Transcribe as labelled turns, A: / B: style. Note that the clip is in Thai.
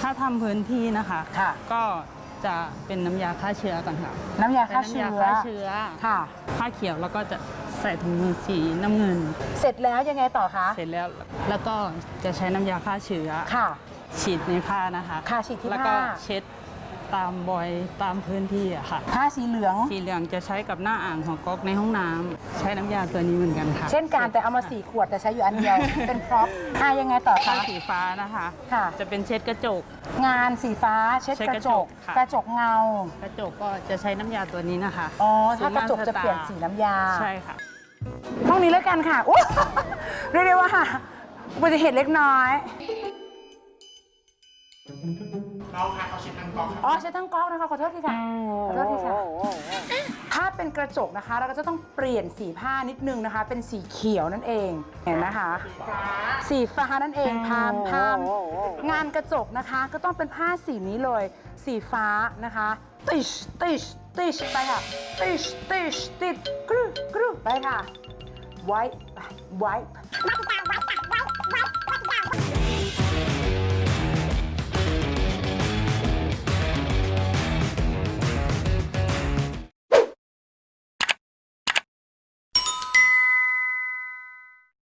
A: ถ้าทำพื้นที่นะคะ
B: ค่ะ
A: ก็จะเป็นน้ำยาฆ่าเชื้อก่อนค่ะ
B: น้ำยาฆ่า
A: เป็น
B: เชื้
A: น้ำยา
B: อ
A: ฆ่าเชื้อ
B: ค่ะ
A: ผ้าเขียวแล้วก็จะใส่ถุงมือสีน้ำเงิน
B: เสร็จแล้วยังไงต่อคะ
A: เสร็จแล้วก็จะใช้น้ำยาฆ่าเชื้อ
B: ค่ะ
A: ฉีดในผ้านะคะ
B: ค่ะฉีดที่
A: แล้วก็
B: ผ้า
A: เช็ดตามบอยตามพื้นที่อะค่ะ
B: ผ้าสีเหลือง
A: สีเหลืองจะใช้กับหน้าอ่างของก๊อกในห้องน้ำใช้น้ำยาตัวนี้เหมือนกันค่ะ
B: เช่นกันแต่เอามา4 ขวดแต่ใช้อยู่อันเดียว เป็นพร็อพยังไงต่อ
A: ผ้า
B: คะ
A: สีฟ้านะคะ
B: ค่ะ
A: จะเป็นเช็ดกระจก
B: งานสีฟ้าเช็ด
A: เช็ด
B: ก
A: ก
B: ระ
A: ระ
B: จ
A: จ
B: ก
A: กค่ะ
B: กระจกเงา
A: กระจกก็จะใช้น้ำยาตัวนี้นะคะ
B: อ๋อถ้ากระจกจะเปลี่ยนสีน้ำยา
A: ใช่ค่ะ
B: ห้องนี้แล้วกันค่ะอุ๊ยเรียกได้ว่าอุบัติเหตุเล็กน้อย
C: เราค่ะเขาเช็ดทั้งกล่องครับ
B: อ๋อใช้ทั้งก๊อกนะคะขอโทษทีค่ะขอโทษทีค่ะถ้าเป็นกระจกนะคะเราก็จะต้องเปลี่ยนสีผ้านิดนึงนะคะ เป็นสีเขียวนั่นเองเห็นนะคะ สีฟ้านั่นเองพามงานกระจกนะคะก็ต้องเป็นผ้าสีนี้เลย สีฟ้านะคะติชติชติชไปค่ะติชติชติดกรึกรึไปค่ะไวท์ไวท์